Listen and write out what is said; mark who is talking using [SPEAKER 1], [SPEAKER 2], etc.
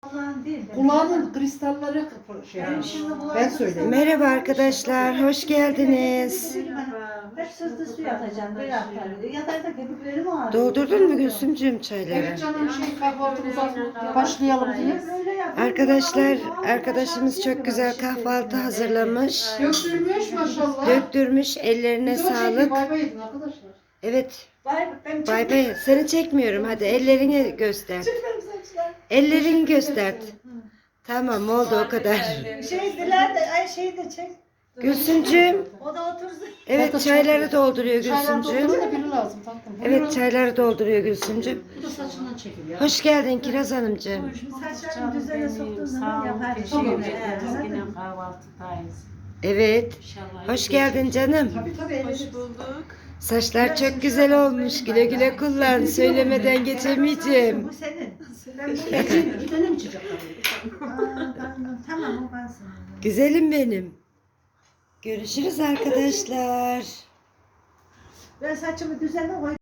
[SPEAKER 1] Kulağının kristalleri ben söyleyeyim.
[SPEAKER 2] Merhaba arkadaşlar, hoş geldiniz.
[SPEAKER 3] Hep sızlı su yatacağım, böyle yapar. Yatar da köpüklerim ağrıyor.
[SPEAKER 2] Doldurdun mu Gülsümcüğüm çayları?
[SPEAKER 1] Evet canım kahvaltımıza başlayalım diye.
[SPEAKER 2] Arkadaşlar, arkadaşımız çok güzel kahvaltı hazırlamış.
[SPEAKER 1] Döktürmüş maşallah.
[SPEAKER 2] Döktürmüş, ellerine
[SPEAKER 1] Biz de o şekilde
[SPEAKER 2] sağlık.
[SPEAKER 1] bay bay edin arkadaşlar.
[SPEAKER 2] Evet,
[SPEAKER 3] Ben
[SPEAKER 2] bay bay. Seni çekmiyorum, hadi ellerini göster. Ellerini göster. Tamam, oldu o kadar.
[SPEAKER 3] Diler de, şeyi de çek.
[SPEAKER 2] Gülsümcüğüm,
[SPEAKER 3] O da otursun.
[SPEAKER 2] evet çayları dolduruyor
[SPEAKER 1] Çaylar
[SPEAKER 2] Gülsümcüğüm.
[SPEAKER 1] dolduruyor da biri lazım tatlım.
[SPEAKER 2] Evet çayları dolduruyor Gülsümcüğüm.
[SPEAKER 1] Bu da saçından çekiliyor.
[SPEAKER 2] Hoş geldin Kiraz Hanımcığım.
[SPEAKER 3] Saçlarını düzene soktuğun zaman yapar.
[SPEAKER 4] Teşekkür
[SPEAKER 3] Şey,
[SPEAKER 4] ederiz.
[SPEAKER 3] anladın
[SPEAKER 4] Yine
[SPEAKER 3] mı?
[SPEAKER 4] kahvaltıdayız.
[SPEAKER 2] Evet,
[SPEAKER 4] İnşallah.
[SPEAKER 2] hoş geldin canım.
[SPEAKER 3] Tabii.
[SPEAKER 4] Hoş bulduk.
[SPEAKER 2] Saçlar çok güzel olmuş. Güle güle kullan. Söylemeden geçemeyeceğim.
[SPEAKER 3] Bu senin. Ben
[SPEAKER 1] Bir tane mi çıkacak?
[SPEAKER 3] Tamam o kalsın.
[SPEAKER 2] Güzelim benim. Görüşürüz arkadaşlar.
[SPEAKER 3] Ben saçımı düzene koy.